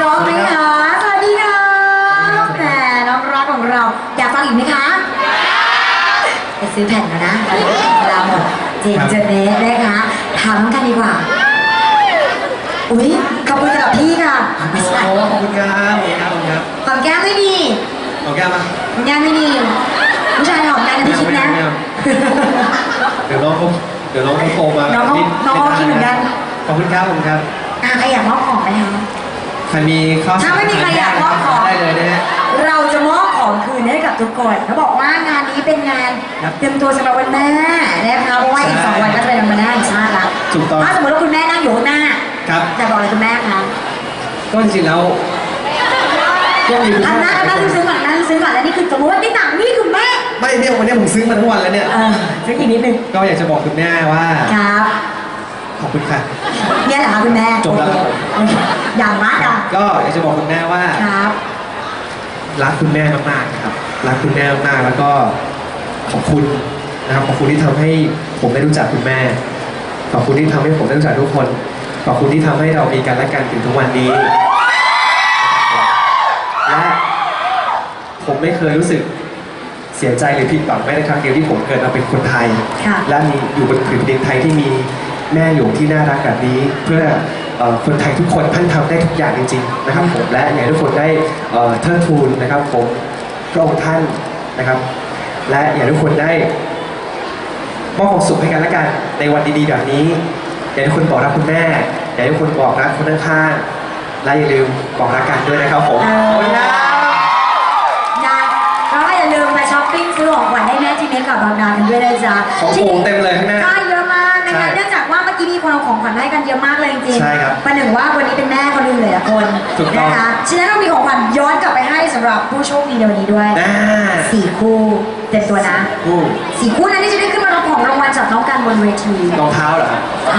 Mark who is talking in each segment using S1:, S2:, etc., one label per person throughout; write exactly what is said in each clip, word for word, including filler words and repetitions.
S1: ร้อมไหมคะสวัสดีค่ะแหมน้องรักของเราอยากฟังอีกไหมคะไปซื้อแผ่นแล้วนะเวลาหมดเจนเจเนสนะคะถามกันดีกว่าอุ้ยขอบคุณสำหรับพี่ค่ะไม่ใช่
S2: โอ้ขอบคุณครับขอบคุณครับขอบคุณครับ
S1: หอมแก้มไม่ดี
S2: ขอแก้มมา
S1: หอมแก้มไม่ดีผู้ชายหอมแก้มนะพี่คิดนะ
S2: เดี๋ยวน้องเขาเดี๋ยวน้องเขาโทรมา
S1: น้องเขาน้องเขาคิดเหมือนกัน
S2: ขอบคุณครับขอบคุณครับ
S1: อ่ะใครอยากมอบของไหมคะ
S2: ใครมีข้อ
S1: ถ้าไม่มีใครอยากมอบของ
S2: ได้เลยนะฮะ
S1: เราจะมอบของคืนให้กับทุกคนเขาบอกว่างานนี้เป็นงาน
S2: ครับ
S1: เตรียมตัวสำหรับวันแม่นะคะเพราะว่าอีกสองวันก็จะเป็นวันแม่แห่งชาติแล้ว
S2: ถูกต้อง
S1: ถ้าสมมติว่าคุณแม่นั่งอยู่ข้างหน้า
S2: ครับ
S1: จะบอกอะไรคุณแม่คะ
S2: ก็จริงๆแล้วก็มีคุณ
S1: อันหน้าอันหน้าซื้อก่อนอันหน้าซื้อก่อนแล้วนี่คือสมมติว่านี่ต่างนี่คือแม่
S2: ไม่เนี่ยวันนี้ผมซื้อมาทั้งวันแล้วเนี่ย
S1: เออซื้ออีกนิดนึง
S2: ก็อยากจะบอกคุณแม่ว่า
S1: ครับ
S2: ขอบคุณค่ะ
S1: เนี่ยแหละค่ะคุณแม่
S2: จบแล้วครับ
S1: โอเคอย่างมากอ่ะ
S2: ก็อยากจะบอกคุณแม่ว่า
S1: ครับ
S2: รักคุณแม่มากๆนะครับรักคุณแม่มากๆแล้วก็ขอบคุณนะครับขอบคุณที่ทำให้ผมได้รู้จักคุณแม่ ขอบคุณที่ทำให้ผมได้รู้จักทุกคน ขอบคุณที่ทำให้เรามีกันและกันถึงทุกวันนี้ และผมไม่เคยรู้สึกเสียใจหรือผิดหวังแม้แต่ครั้งเดียวที่ผมเกิดมาเป็นคนไทย
S1: ค่ะ
S2: และมีอยู่บนผืนดินไทยที่มีแม่หลวงที่น่ารักแบบนี้ เพื่อเอ่อคนไทยทุกคนท่านทำได้ทุกอย่างจริงๆนะครับผมและอยากให้ทุกคนได้เอ่อเทิดทูนนะครับผมพระองค์ท่านนะครับ และอยากให้ทุกคนได้มอบความสุขให้กันและกันในวันดีๆแบบนี้อยากให้ทุกคนบอกรักคุณแม่อยากให้ทุกคนบอกรักคนข้างๆและอย่าลืมบอกรักกันด้วยนะครับผม
S1: เออ
S2: ขอบคุณครับ
S1: นะแล้วก็อย่าลืมไปช้อปปิ้งซื้อของขวัญให้แม่จีเมกกับบางนากันด้วยนะจ๊ะ
S2: ของโผล่เต็มเลยข้างหน้า
S1: ใช่เยอะมากนะ
S2: ใช่
S1: คะเนื่องจากว่าเมื่อกี้มีคนเอาของขวัญมาให้กันเยอะมากเลยจริงๆ
S2: ใช่ครับ
S1: ประหนึ่งว่าวันนี้เป็นแม่คนหนึงเลยอะคน
S2: ถูกต้อง
S1: นะคะฉะนั้นเรามีของขวัญย้อนกลับไปให้สำหรับผู้โชคดีในวันนี้ด้วย
S2: อ่า
S1: สี่คู่เต็มตัวนะ
S2: อู้
S1: สี่คู่นั้นที่จะได้ขึ้นมารับของรางวัลจากน้องกันบนเวที
S2: รองเท้าเหรอครับ
S1: เอา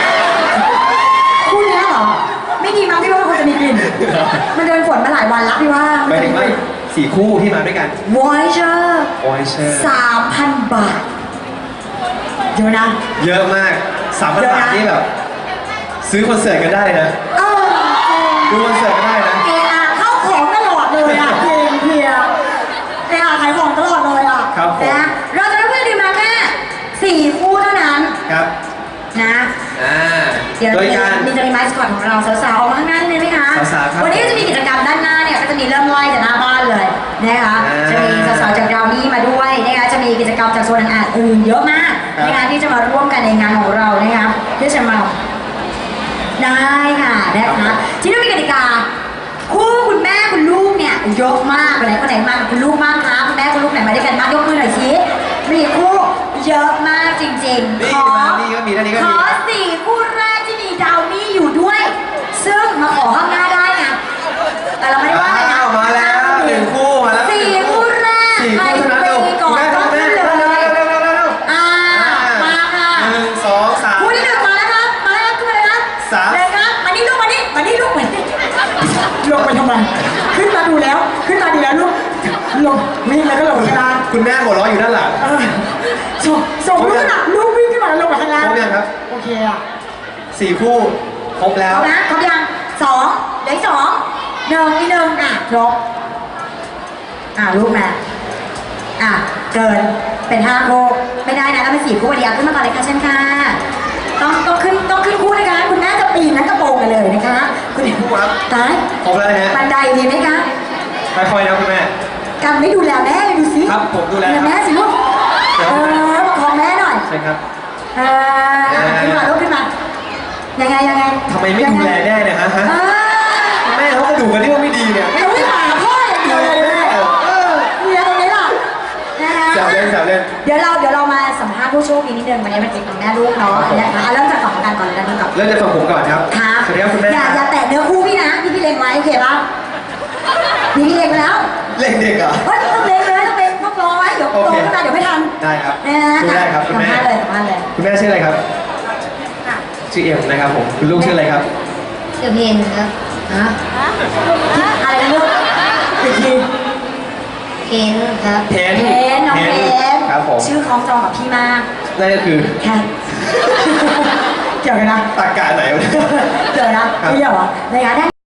S1: คู่เนี้ยเหรอไม่ดีมั้งพี่ว่ามันคงจะมีกลิ่นมันเดินฝนมาหลายวันแล้วพี่ว่า
S2: หมายถึงว่าสี่คู่ที่มาด้วยกัน
S1: วอยเชอร์
S2: โอ้ยเชื่อ
S1: สามพันบาทเยอะนะ
S2: เยอะมากสามพัน
S1: เยอะนะ
S2: บาทนี่แบบ ซื้อคอนเสิร์ตกันได้นะ
S1: เออ
S2: ดูคอนเสิร์ตกันได้นะ
S1: เออาเข้าของตลอดเลยอ่ะเพลงเพลียเออาขายของตลอดเลยอ่ะ
S2: ครับผม
S1: นะเราจะได้เพื่อนดีมาแค่สี่คู่เท่านั้น
S2: ครับ
S1: นะ
S2: อ่า
S1: เดี๋ยว
S2: โดยการ
S1: มีจะมีไมค์สคอตของเราสาวๆออกมาข้างหน้าเลยไหมคะ
S2: สาวๆครับ
S1: วันนี้ก็จะมีกิจกรรมด้านหน้าเนี่ยก็จะมีเริ่มไล่จากหน้าบ้านเลยนะคะ
S2: อ่า
S1: จะมีสาวๆจากดาวนี่มาด้วยนะคะจะมีกิจกรรมจากโซนอ่านอื่นเยอะมาก
S2: ครับ
S1: นะคะที่จะมาร่วมกันในงานของเรานะคะเพื่อจะมาได้ค่ะนะคะที่นี่มีกติกาคู่คุณแม่คุณลูกเนี่ยเยอะมากเลยคนไหนมากับคุณลูกบ้างคะคุณแม่คุณลูกไหนมาด้วยกันบ้างยกมือหน่อยสิมีคู่เยอะมากจริงๆ
S2: นี่
S1: ขอ
S2: มานี่ก็มีท่านนี้ก็
S1: ข
S2: มี
S1: อสี่คู่แรกที่มีดาวนี่อยู่ด้วย ซึ่งมาขอข้างหน้าได้ไงแต่เราไม่ได้ว่าอะไรนะ
S2: อ้าวมาแล้วหนึ่งคู่มาแล้ว
S1: สี่คู่แรก
S2: สี่
S1: ใคร
S2: คู่เท่านั้น
S1: ไป
S2: เร็ว
S1: ก่อน
S2: แม่
S1: ก็
S2: แม่
S1: ขึ้น
S2: เร็ว
S1: เล
S2: เร็วย เร็วเร็วเร็วเร็ว
S1: อ่ามาค่ะ
S2: หนึ่งสองสาม
S1: คู่ที่หนึ่งมาแล้วครับมาแล้วขึ้นมาเลยครับ
S2: สาม
S1: เลยครับมานี่ลูกมานี่มานี่ลูกมานี่ลงไปทำไมขึ้นมาดูแล้ว ขึ้นมาดูแล้วลูกลงวิ่งแล้วก็ลงข้างล่าง
S2: คุณแม่หัวเราะอยู่ด้านหลัง
S1: เออส่งส่งลูกขนาดลูกวิ่งขึ้นมาแล้วลงมาข้างล่าง
S2: ครบยังครับ
S1: โอเคอ่ะ
S2: สี่คู่ครบแล้ว
S1: เอานะครบยังสองเหลืออกสองหนึ่งอีกหนึ่งอ่ะครบอ่ะลูกมาอ่ะเกินเป็นห้าคู่ไม่ได้นะแล้วเป็นสี่คู่เดียวขึ้นมาก่อนเลยค่ะเช่นค่ะต้องต้องขึ้นต้องขึ้นคู่นะคะคุณแม่จะปีนนั้นกระโปรงกันเลยนะคะคุณ
S2: สี่คู่ครับ
S1: ตาย
S2: ครบแล้วนะฮะ
S1: บันไดดีไหมคะ
S2: ค่อยๆนะคุณแม่
S1: กันไม่ดูแลแม่เลยดูสิ
S2: ครับผมดูแลครับ
S1: แม่สิลูกเออประคองแม่หน่อย
S2: ใช่ครับ
S1: เอออ่ะขึ้นมาลูกขึ้นมายังไงยังไง
S2: ทำไมไม่ดูแลแน่เนี่ยฮะฮะ
S1: เออ
S2: แม่เขากระดูกกันที่ว่าไม่ดีเนี่ย
S1: ไม่วิ่งหาพ่ออย่างเดียวเลยแม่
S2: เออ
S1: เมียตรงนี้ล่ะนะคะ
S2: แซวเล่นแซวเล่น
S1: เดี๋ยวเราเดี๋ยวเรามาสัมภาษณ์ผู้โชคดีนิดนึงวันนี้มันจิตของแม่ลูกเนาะนะคะเอาเริ่มจากของกันก่อนเลยกันก่อน
S2: เริ่มจากฝั่งผมก่อนครับ
S1: ครับ
S2: สวัสดีครับคุณแม่
S1: อย่าอย่าแตะเนื้อคู่พี่นะพี่พี่เล็งไว้โอเคป่ะพี่พี่เล็งไว้แล้ว
S2: เล่นเด็กเหรอ
S1: เฮ้ยต้องเล็งเลยต้องเล็งต้องรอไว้เดี๋ยวโต
S2: โอเค
S1: ขึ้นมาเดี๋ยวไม่ทัน
S2: ได้ครับ
S1: นะ
S2: ดูได้ครับคุณ
S1: สัม
S2: แม่
S1: ภาษณ์เลยสัมภาษณ์เลย
S2: คุณแม่ชื่ออะไรครับ ชื่อเอ็มนะครับผม คุณลูกชื่ออะไรครับ
S1: เดี๋ยวเพนครับฮะอะไรนะลูกอีกทีเพนครับ
S2: เพน
S1: เพนน้องเพน
S2: ครับผม
S1: ชื่อคล้องจองกับพี่มาก
S2: นั่นก็คือ
S1: แค่เกี่ยวกันนะ
S2: ตากาไหนวะเนี่ย
S1: เกี่ยวนะไม่เกี่ยวเหรอนะคะ